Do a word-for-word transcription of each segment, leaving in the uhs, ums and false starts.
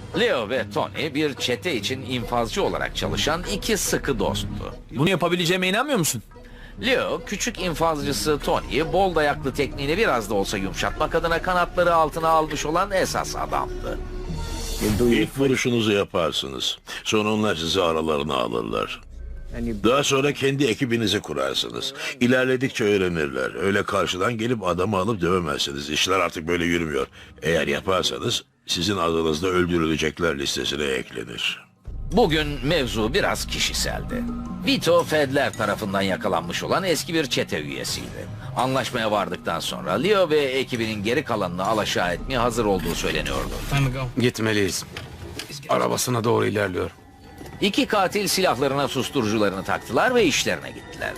Leo ve Tony bir çete için infazcı olarak çalışan iki sıkı dosttu. Bunu yapabileceğime inanmıyor musun? Leo, küçük infazcısı Tony'yi bol dayaklı tekniğini biraz da olsa yumuşatmak adına kanatları altına almış olan esas adamdı. İlk vuruşunuzu yaparsınız. Sonra onlar sizi aralarına alırlar. Daha sonra kendi ekibinizi kurarsınız. İlerledikçe öğrenirler. Öyle karşıdan gelip adamı alıp dövemezsiniz. İşler artık böyle yürümüyor. Eğer yaparsanız sizin adınızda öldürülecekler listesine eklenir. Bugün mevzu biraz kişiseldi. Vito, Fedler tarafından yakalanmış olan eski bir çete üyesiydi. Anlaşmaya vardıktan sonra Leo ve ekibinin geri kalanını alaşağı etmeye hazır olduğu söyleniyordu. Gitmeliyiz. Arabasına doğru ilerliyor. İki katil silahlarına susturucularını taktılar ve işlerine gittiler.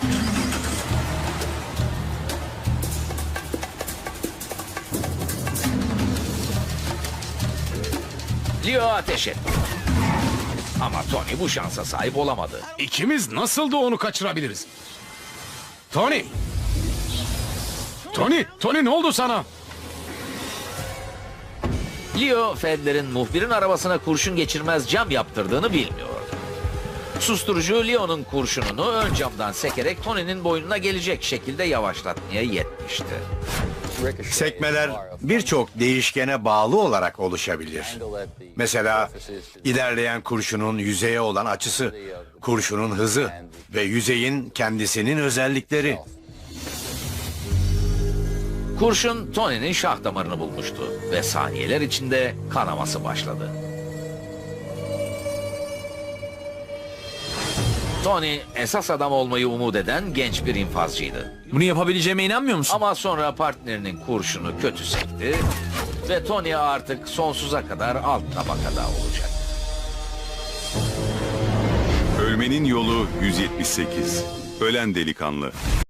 Leo ateş etti. Ama Tony bu şansa sahip olamadı. İkimiz nasıl da onu kaçırabiliriz? Tony! Tony! Tony ne oldu sana? Leo, Fedler'in muhbirin arabasına kurşun geçirmez cam yaptırdığını bilmiyordu. Susturucu Leo'nun kurşununu ön camdan sekerek Tony'nin boynuna gelecek şekilde yavaşlatmaya yetmişti. Sekmeler birçok değişkene bağlı olarak oluşabilir. Mesela ilerleyen kurşunun yüzeye olan açısı, kurşunun hızı ve yüzeyin kendisinin özellikleri. Kurşun Tony'nin şah damarını bulmuştu ve saniyeler içinde kanaması başladı. Tony esas adam olmayı umut eden genç bir infazcıydı. Bunu yapabileceğime inanmıyor musun? Ama sonra partnerinin kurşunu kötü sekti ve Tony artık sonsuza kadar alt tabakada olacak. Ölmenin yolu yüz yetmiş sekiz. Ölen delikanlı.